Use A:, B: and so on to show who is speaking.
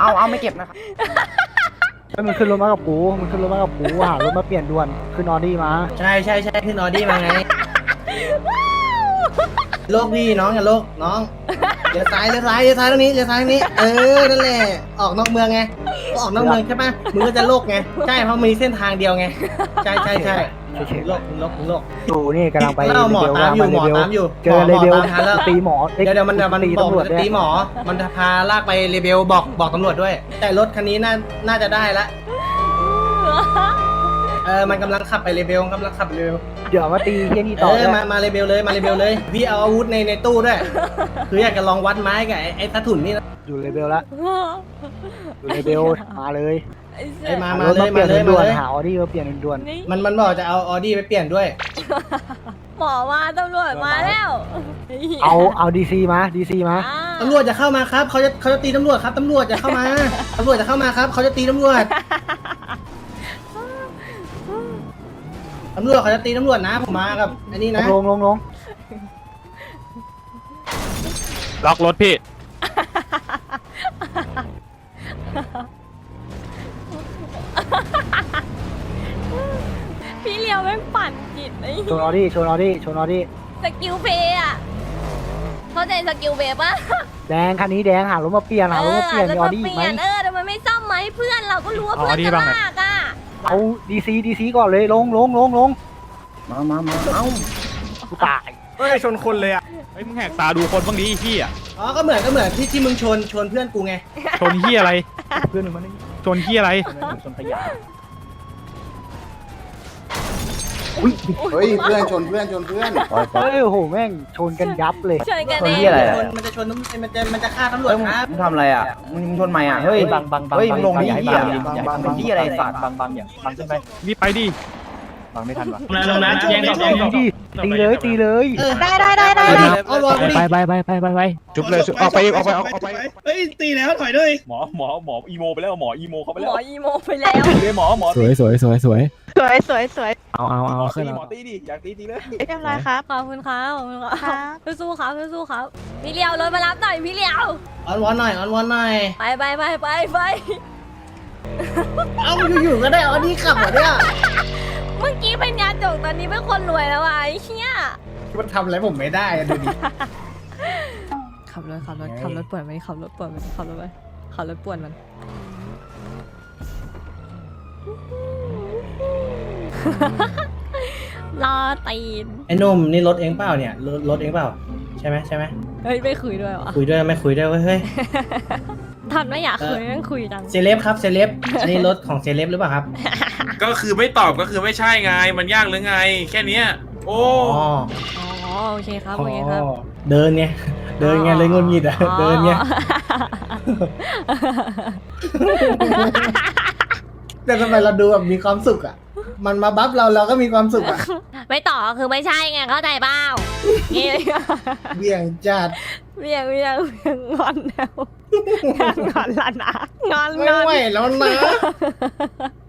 A: เอาไม่เก็บนะครับมันขึ้นรถมากับกูหารถมาเปลี่ยนด่วนขึ้นออดี้มา
B: ใช่ขึ้นออดี้มาไงโลกพี่น้องอย่าโลกน้องเลี้ยวซ้ายตรงนี้นั่นแหละออกนอกเมืองไงออกนอกเมืองใช่ปะมึงก็จะโลกไงใช่เพราะมีเส้นทางเดียวไงใช่โลก
A: อยู่นี่กำลังไป
B: หมอตามอยู่
A: เจอเลเบลตีหมอ
B: เดี๋ยวมันบอกตีหมอมันพาลากไปเลเบลบอกตำรวจด้วยแต่รถคันนี้น่าจะได้ละมันกำลังขับไปเลเบล
A: เดี๋ยวมาตีที่นี่ต่อ
B: มาเลเบลเลยพี่เอาอาวุธในตู้ด้วยคืออยากจะลองวัดไม้กับไอ้ทัถุนนี่
A: อยู่เลเบลละอยู่เลเบลมาเลย
B: มาเลย
A: ด่วนหาออดี้มาเปลี่ยนด่วน
B: มันบอกจะเอาออดี้ไปเปลี่ยนด้วย
C: หมอมาตำรวจมาแล้ว
A: เอาดีซีมา
B: ตำรวจจะเข้ามาครับเขาจะตีตำรวจครับตำรวจจะเข้ามาครับเขาจะตีตำรวจเขาจะตีตำรวจนะผมมากับอันนี้นะ
A: ลง
D: ล็อกรถพี่
C: พี่เลี้ยวแม่งปั่นจิตไอ้
A: ชนออดี้
C: สกิลเพย์อ่ะเข้าใจสกิลเพย์ปะ
A: แดงคันนี้แดงหารถมาเปลี่ยนมีออดี้ไหม
C: ทำไมไม่ซ่อมไหมเพื่อนเราก็รู้ว่าเพื่อนจะลากอ่ะ
A: เอาดีซีก่อนเลยลง
B: มาเอา
A: กูตาย
D: ชนคนเลยอ่ะเฮ้ยมึงแหกตาดูคนบ้างดิพี่อ่ะ
B: ก็เหมือนที่มึงชนเพื่อนกูไง
D: ชนที่อะไร
A: เพื่อนมึงมัน
D: ชนที่อะไร
A: ชนขยะ
E: เฮ้ยเพื่อนชนเพื่อน
A: โอ้โหแม่งชนกันยับเลย
C: ชนกันเอง
B: มันจะชนมันจะฆ่าตำรวจครับ
A: มึงทำอะไรอ่ะมึงชนใหม่อ่ะเฮ้ยบังเฮ้ยมึงลงนี่ที่อะไรฝาดบังอย่างบังขึ้นไป
D: รีบไปดิ
A: บังไม่ทันวะ
B: ลงนะแย่ง
A: ตีเลย
C: ได้
D: ไปจุบเลยออกไป
B: เฮ้ยตีแล้วถอยด้วย
D: หมออีโมไปแล้วหมออีโมเขาไปแล้ว
C: เลย
D: หมอ
F: สวย
C: เอาขึ้น
D: หมอตีดิอยากตีเลย
C: เรียบร้อยครับขอบคุณครับสู้ครับพี่เลี้ยวรถมารับหน่อยพี่เลี้ยว
B: ออนวอนหน่อย
C: ไป
B: เอาอยู่ก็ได้ออดี้ขับเหรอเนี่ย
C: เมื่อกี้เป็นยาจกตอนนี้เป็นคนรวยแล้วไอ้เชี่ย
B: มันทำอะไรผมไม่ได้ดูดิ
C: ขับรถป่วนมันรอตีน
B: ไอ้นุ่มนี่รถเองเปล่าเนี่ยรถเองเปล่าใช่ไหม
C: เฮ้ยไม่คุยด้วยวะ
B: ไม่คุยด้วยเฮ้ย
C: ทันไม่อยากคุยนั่งคุยจัง
B: เซเลบครับอันนี้รถของเซเลบหรือเปล่าครับ
G: ก็คือไม่ตอบก็คือไม่ใช่ไงมันยากหรือไงแค่นี้โอ้
C: โอเคครับ
B: เดินไงเลยงุนงิดอ่ะเดินไงแต่ทำไมเราดูแบบมีความสุขอ่ะมันมาบัฟเราก็มีความสุขอ่ะ
C: ไม่ต่อคือไม่ใช่ไงเข้าใจเปล่า
B: เบี่ยงจัด
C: เบี่ยงงอนแล้วงอนแล้วนะงอน
B: ไม่ไหวแล้วนะ